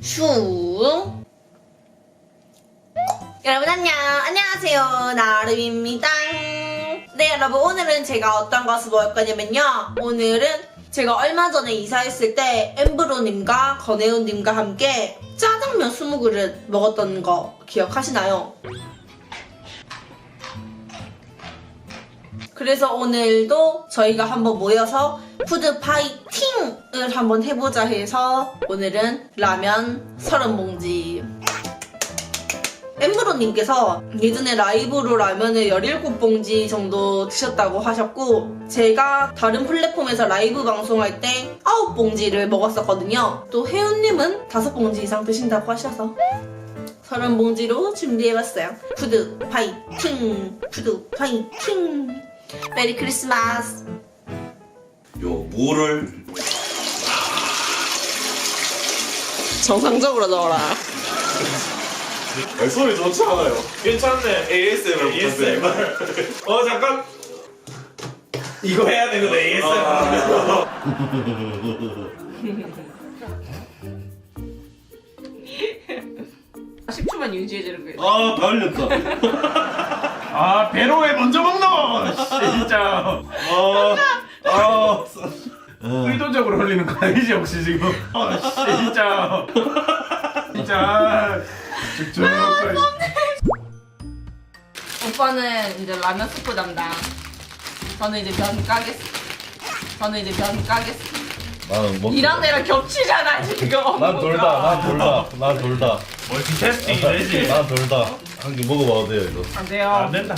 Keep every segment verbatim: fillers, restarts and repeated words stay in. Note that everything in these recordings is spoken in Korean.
슝. 여러분 안녕, 안녕하세요, 나름입니다. 네, 여러분 오늘은 제가 어떤 것을 먹을 거냐면요, 오늘은 제가 얼마 전에 이사했을 때 엠브로님과 건혜은님과 함께 짜장면 스무 그릇 먹었던 거 기억하시나요? 그래서 오늘도 저희가 한번 모여서 푸드 파이팅을 한번 해보자 해서 오늘은 라면 서른 봉지. 엠브로님께서 예전에 라이브로 라면을 열일곱 봉지 정도 드셨다고 하셨고, 제가 다른 플랫폼에서 라이브 방송할 때 아홉 봉지를 먹었었거든요. 또 혜윤님은 다섯 봉지 이상 드신다고 하셔서 서른 봉지로 준비해봤어요. 푸드 파이팅! 푸드 파이팅! 메리 크리스마스! 요 무를 정상적으로 넣어라. 소리 좋지 않아요? 괜찮네. 에이에스엠R 에이에스엠알. 어 잠깐. 이거 해야 되거든. 에이에스엠알. 십 초만 유지해주는 거예요. 아, 다 흘렸다. 아 배로에 먼저 먹노. 진짜. 어. 어. 의도적으로 흘리는 거 아니지 혹시 지금? 아 진짜. 진짜. 죽죽. 오빠는 이제 라면 스프 담당. 저는 이제 면 까겠어. 저는 이제 면 까겠어. 나는 먹. 이랑 내랑 겹치잖아 지금. 난 돌다. 난 돌다. 난 돌다. 멀티태스킹이 되지. 난 돌다. 한 개 먹어봐도 돼요 이거. 안 돼요. 안 된다.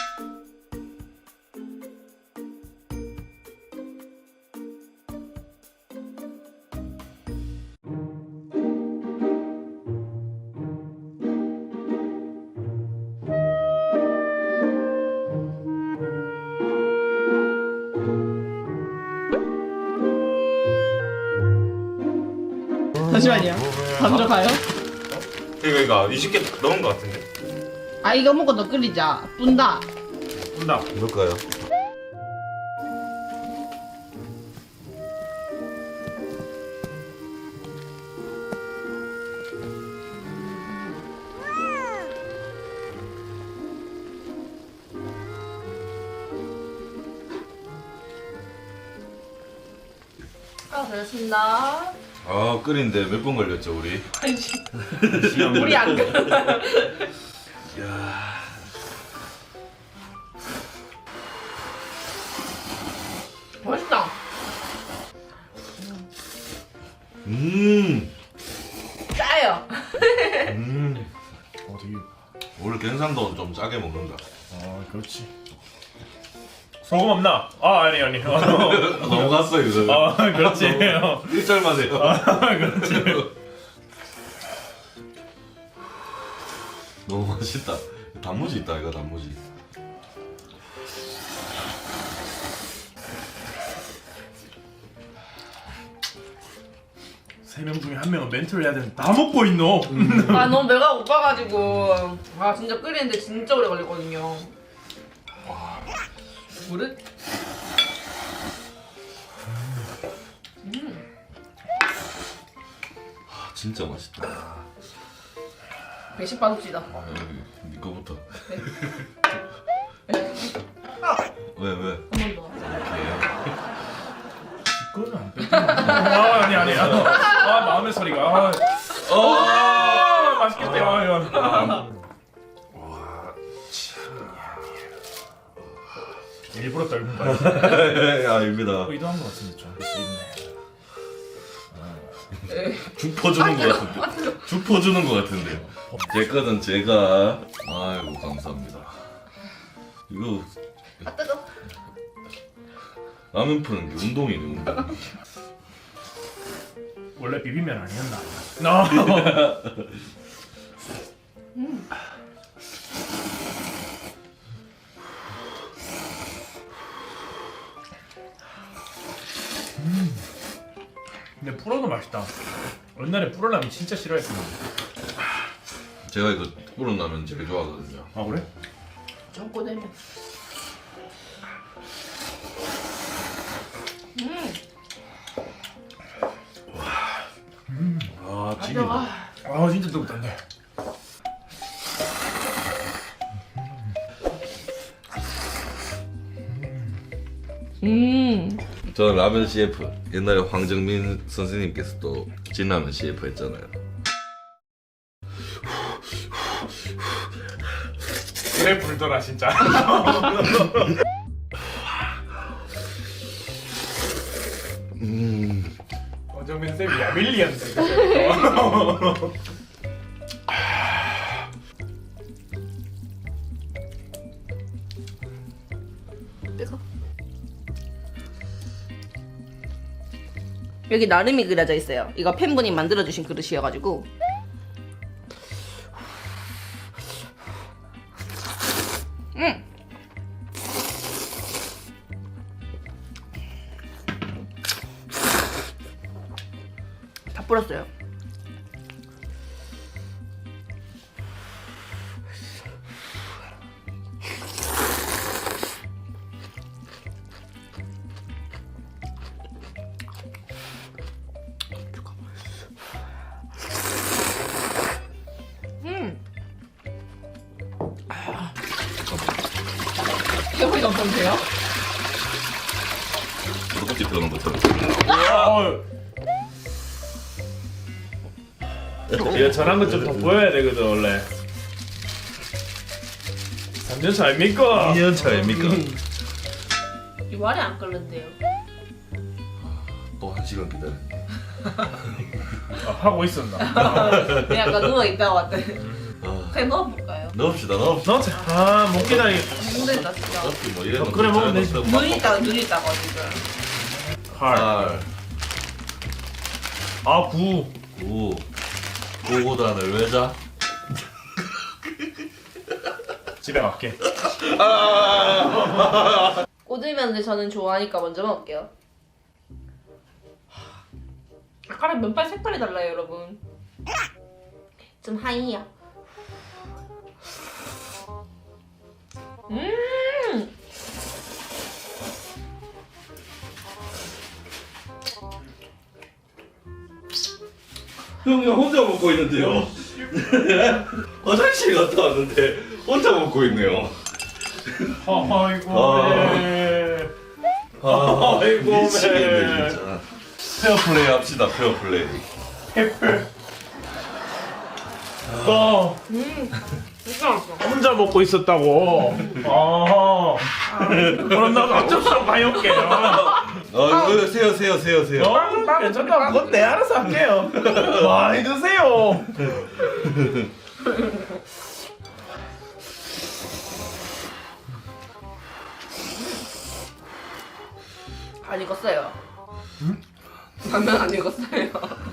잠시만요. 먼저 가요. 이거 이거 이십 개 넘은 거 같은데. 아 이거 먹고 더 끓이자. 뿐다. 온다. 뭘까요? 아 그렇습니다. 아, 끓인데 몇 분 걸렸죠 우리? 우리 안 끓어. 야. 맛있다. 음. 짜요. 음. 어 되게. 원래 경상도 좀 짜게 먹는다. 아 그렇지. 소금 없나? 아 아니 아니. 어, 넘어갔어 이거. 아 그렇지. 일절만 해요. 아 그렇지. 너무 맛있다. 단무지 있다 이거 단무지. 세 명 중에 한 명은 멘트를 해야 되는데 다 먹고 있노. 아 너무 배가 고파가지고 아 진짜 끓이는데 진짜 오래 걸리거든요. 물을? 아, 진짜 맛있다. 배식 받읍시다. 아, 여기 네 거부터. 아, 왜 왜? 한 번 더. 그거는 안 뺏겨. 아 아니 아니. 아 마음의 소리가. 아, 아 맛있겠다. 아, 야. 일부러 떨군 거야. 야, 입니다. 의도한 것 같은데 좀. 있네. 죽 퍼주는 것 같은데. 죽 퍼주는 것 같은데요. 제 거는 제가. 아이고 감사합니다. 이거 아 뜨거. 라면 푸는 게 운동이네 운동. 원래 비빔면 아니었나? No. 음. 음. 근데 불어도 맛있다. 옛날에 불어라면 진짜 싫어했었는데. 제가 이거 뿌른 라면 제일 좋아하거든요. 아 그래? 전골되면. 음. 아 찌개가. 아 진짜 뜨겁던데. 음. 저는 라면 씨에프. 옛날에 황정민 선생님께서 또 진라면 씨에프 했잖아요. 그래 불더라 진짜. 음. 어정민 쌤이 야밀리언데. 뜨거. 여기 나름이 그려져 있어요. 이거 팬분이 만들어주신 그릇이어가지고. 음. 다 뿌렸어요. 음. 해보니 어떤데요? 떡볶이 들어간 것처럼. 얘 저런 것 좀 더 보여야 되거든 원래. 삼 년 차 아닙니까? 이 년 차입니까? 이 말이 안 끓는데요. 또 한 시간 기다렸네. 아, 하고 있었나? 그냥 아까 누워있다가 왔대. 아, 그냥 넣어볼까요? 넣읍시다, 넣읍시다. 넣자. 아, 못 기다리. 힘들다 진짜. 어차피 뭐 이래놓고 그래, 먹으면 되지. 잘 눈 있다가 눈 있다가 지금. 팔. 팔, 아, 구. 구, 구고단을 외자. 집에 갈게. 꼬들면을 저는 좋아하니까 먼저 먹을게요. 아까랑 면발 색깔이 달라요, 여러분. 좀 하이야. 음. 형이 혼자 먹고 있는데요. 화장실 갔다 왔는데 혼자 먹고 있네요. 아이고, 아. 네. 아, 아이고, 미치겠네 네. 진짜. 페어플레이 합시다, 페어플레이. 페플. 너 음. 진짜 맛있어. 혼자 먹고 있었다고. 아. 그럼 나도 어쩔 수 없어 가요게. 아, 이거 세요, 세요, 세요, 세요. 어, 괜찮다. 그건 내 알아서 할게요. 많이 드세요. 안 익었어요. 응? 라면 안 익었어요.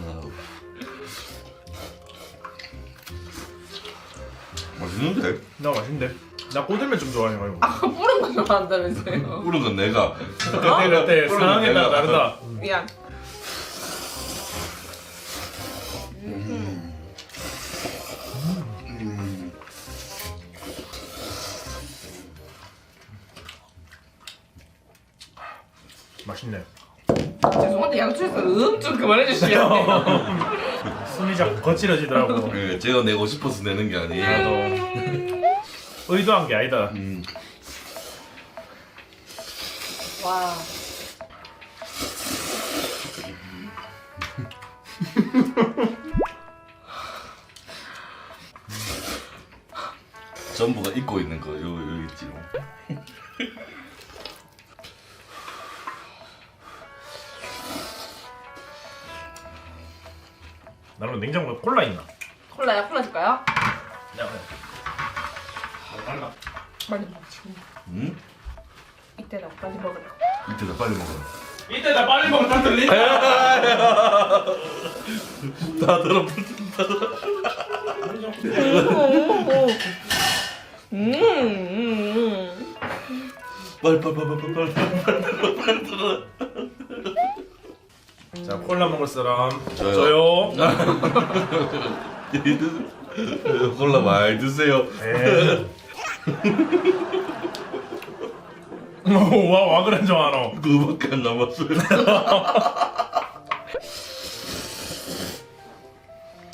맛있는데? 나 맛있는데. 나 꼬들면 좀 좋아해요. 아까 뿌른 거 좋아한다면서요. 뿌른 건 내가. 그때 그때 뿌른 상황에 따라 내가. 다르다. 미안. 맛있네. 죄송한데 양쪽에서 음 좀 그만해주시면 돼요. 숨이 자꾸 거칠어지더라고. 예, 제가 내고 싶어서 내는 게 아니에요. 나도 의도한 게 아니다. 음. 와. 전부가 입고 있는 거, 요, 요 있지요. 나는 냉장고에 콜라 있나? 콜라야 콜라 줄까요? 야, 달라. 빨리 먹지. 응? 이때다 빨리 먹으라. 이때다 빨리 먹어라. 이때 나 빨리 먹으면 다 들린다. 다 들어붙는다. 음, 음, 빨리, 빨리, 빨리, 빨리, 빨리, 빨리, 빨리 들어. 자, 콜라 먹을 사람. 저요. 저요. 콜라 많이 드세요. 네. 와, 와 그런 줄 알아. 그거밖에 안 남았어요.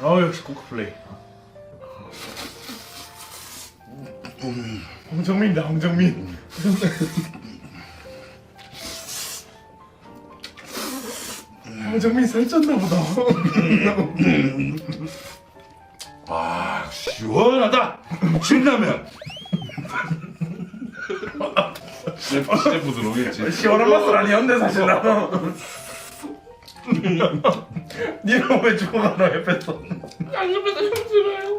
아 역시 코크플레이. 홍정민이다 홍정민. 홍정민 살쪘나 보다. 아 시원하다. 신라면. 셰프, 셰프 들어오겠지. 시원한 맛은 아니었는데 사실 나는. 니는 왜 죽어가나 옆에서. 양념에도 힘들어요.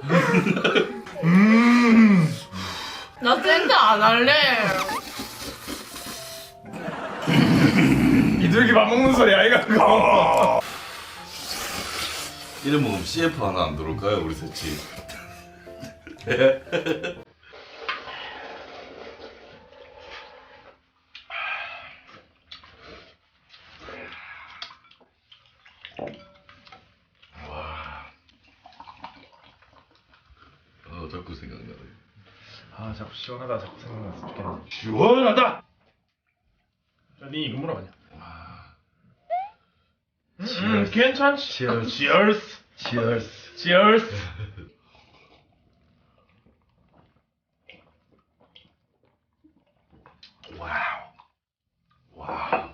음. 나 샌드 안 할래. 이들기 밥 먹는 소리 아이가 그거. 이름 먹으면 씨에프 하나 안 들어올까요, 우리 셋이? 아, 자꾸 생각나네. 아 자꾸 시원하다 자꾸 생각났으면 좋겠네. 시원하다. 니 이거 물어봤냐? 음, 음 괜찮지. Cheers. Cheers. Cheers. Cheers. 와우. 와우.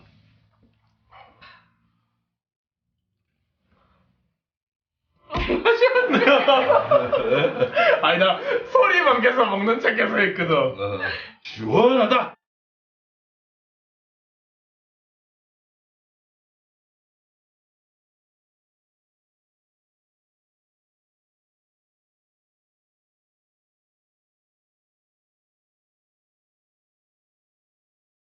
아니 나 소리만 계속 먹는 척 계속 했거든. 어. 시원하다.